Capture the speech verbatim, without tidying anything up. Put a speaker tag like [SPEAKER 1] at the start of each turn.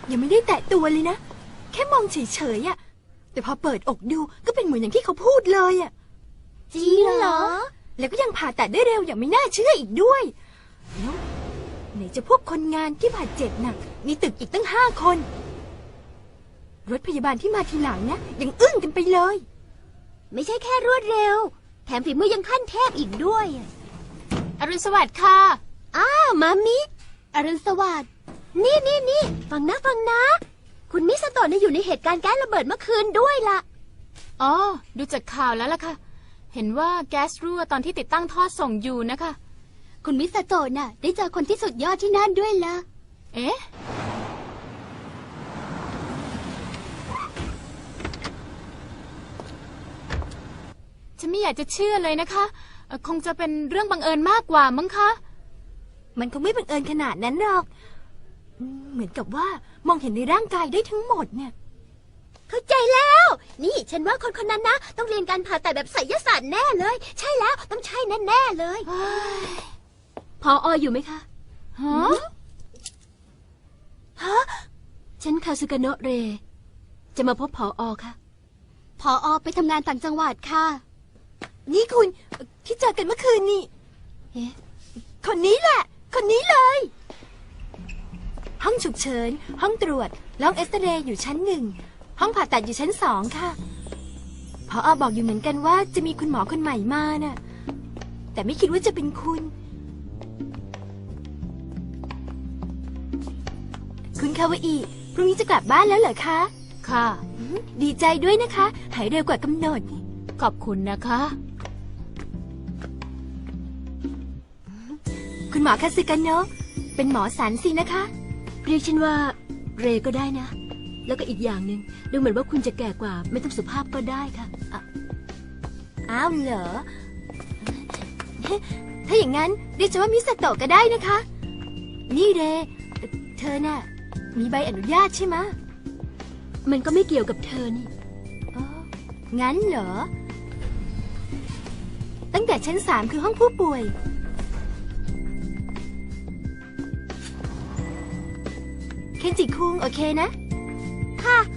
[SPEAKER 1] ยังไม่ได้แตะตัวเลยนะแค่มองเฉยๆอะแต่พอเปิดอกดูก็เป็นเหมือนอย่างที่เขาพูดเลยอะ
[SPEAKER 2] จริงเหรอ
[SPEAKER 1] แล้วก็ยังผ่าตัดได้เร็วอย่างไม่น่าเชื่ออีกด้วยแล้วไหนจะพวกคนงานที่บาดเจ็บหนักมีตึกอีกตั้งห้าคนรถพยาบาลที่มาทีหลังนะยังอึ้งกันไปเลย
[SPEAKER 2] ไม่ใช่แค่รวดเร็วแถมฝีมือยังขั้นเทพอีกด้วย
[SPEAKER 3] อรุณสวัสดิ์ค่ะ
[SPEAKER 2] อ้าวมามิอรุณสวัสดิ์นี่นี่นี่ฟังนะฟังนะคุณมิสโตะเนี่ยอยู่ในเหตุการณ์แก๊สระเบิดเมื่อคืนด้วยล่ะ
[SPEAKER 3] อ๋อดูจากข่าวแล้วล่ะค่ะเห็นว่าแก๊สรั่วตอนที่ติดตั้งท่อส่งอยู่นะคะ
[SPEAKER 2] คุณมิสโตะน่ะได้เจอคนที่สุดยอดที่นั่นด้วยล่ะ
[SPEAKER 3] เอ๊ะฉันไม่อยากจะเชื่อเลยนะคะคงจะเป็นเรื่องบังเอิญมากกว่ามั้งคะ
[SPEAKER 1] มันคงไม่บังเอิญขนาดนั้นหรอกเหมือนกับว่ามองเห็นในร่างกายได้ทั้งหมดเนี่ย
[SPEAKER 2] เข้าใจแล้วนี่ฉันว่าคนคนนั้นนะต้องเรียนการผ่าตัดแบบไสยศาสตร์แน่เลยใช่แล้วต้องใช่แน่ๆเลยพอออยู่ไหมคะ
[SPEAKER 3] ฮะ
[SPEAKER 1] ฮะ
[SPEAKER 2] ฉันคาซึกาโนะเรจะมาพบพออค่ะพออไปทำงานต่างจังหวัดค่ะ
[SPEAKER 1] นี่คุณที่เจอกันเมื่อคืนนี่
[SPEAKER 2] เอ๊ะ
[SPEAKER 1] คนนี้แหละคนนี้เลยห้องฉุกเฉินห้องตรวจห้องเอ็กซเรย์อยู่ชั้นหนึ่งห้องผ่าตัดอยู่ชั้นสองค่ะผอ.บอกอยู่เหมือนกันว่าจะมีคุณหมอคนใหม่มาน่ะแต่ไม่คิดว่าจะเป็นคุณคุณคาวาอิพรุ่งนี้จะกลับบ้านแล้วเหรอคะ
[SPEAKER 3] ค่ะ
[SPEAKER 1] ดีใจด้วยนะคะหายเร็วกว่ากำหนด
[SPEAKER 3] ขอบคุณนะคะ
[SPEAKER 1] คุณหมอคาซึกาโนะเป็นหมอสันสินะคะ
[SPEAKER 2] เรียกฉันว่าเรก็ได้นะแล้วก็อีกอย่างหนึ่งดูเหมือนว่าคุณจะแก่กว่าไม่ต้องสุภาพก็ได้ค่ะ
[SPEAKER 1] อ้าวเหรอถ้าอย่างนั้นเรียกฉันว่ามิสโตะก็ได้นะคะนี่เรเธอน่ะมีใบอนุญาตใช่ไหม
[SPEAKER 2] มันก็ไม่เกี่ยวกับเธอนี่
[SPEAKER 1] อ๋องั้นเหรอตั้งแต่ชั้นสามคือห้องผู้ป่วยเคนจิคุงโอเคนะ
[SPEAKER 2] ค่ะ